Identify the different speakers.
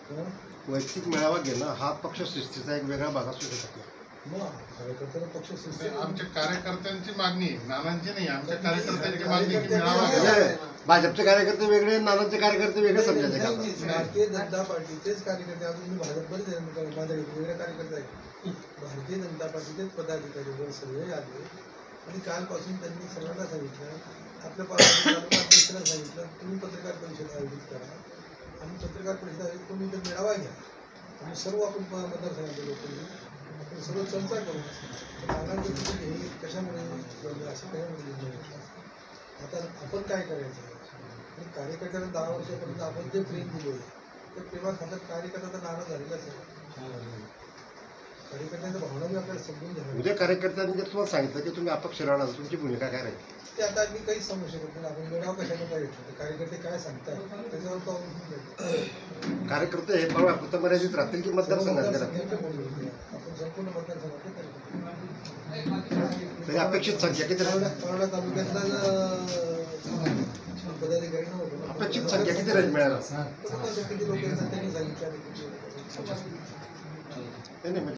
Speaker 1: वैयक्तिक मेळावा घेणं हा पक्ष शिस्तीचा एक वेगळा भाग असू शकत नाही.
Speaker 2: कार्यकर्त्यांना पक्ष शिस्ती
Speaker 3: आमच्या कार्यकर्त्यांची मागणी आहे, नानांची नाही. आमच्या कार्यकर्त्यांची मागणी की मेळावा
Speaker 1: भाजपचे कार्यकर्ते वेगळे, नानांचे कार्यकर्ते वेगळे समजायचे का?
Speaker 2: भारतीय जनता पार्टीचेच कार्यकर्ते, अजून मी भाजप बरेच माझ्या वेगळे कार्यकर्ते आहेत. भारतीय जनता पार्टीचेच पदाधिकारी वर सगळे आले आणि कालपासून त्यांनी सर्वांना सांगितलं, आपल्या तालुका अध्यक्षांना सांगितलं, तुम्ही पत्रकार परिषद आयोजित करा आणि पत्रकार परिषद आयोजित करून इथे मेळावा घ्या आणि सर्व आपण मतदारसंघातले लोकांनी आपण सर्व चर्चा करू. नानांचं हे कशामुळे असं कशामुळे आता आपण काय करायचं आणि कार्यकर्त्यांना 10 वर्षापर्यंत आपण जे प्रेम दिले त्या प्रेमाखातर कार्यकर्त्याचा नाराज झालेलाच आहे. कार्यकर्त्यांच्या भावना मी आपल्याला समजून घ्यावी.
Speaker 1: उद्या कार्यकर्त्यांनी जर तुम्हाला सांगितलं की तुम्ही अपक्ष राहणार, तुमची भूमिका काय राहील?
Speaker 2: ते आता मी काहीच सांगू शकत नाही. आपण मेळावा कशाने काय घेतलं, कार्यकर्ते काय सांगतात त्याच्यावर तो अवलंबून
Speaker 1: कार्यकर्ते हे फक्त मर्यादित राहतील की मतदारसंघातले राहतील?
Speaker 2: आपण संपूर्ण मतदारसंघातले
Speaker 1: तरी अपेक्षित संख्या किती राहील?
Speaker 2: परोडा तालुक्यातला पदाधिकारी नव्हतं.
Speaker 1: अपेक्षित संख्या किती राहील मिळाला?
Speaker 2: किती लोक त्यांनी सांगितलं.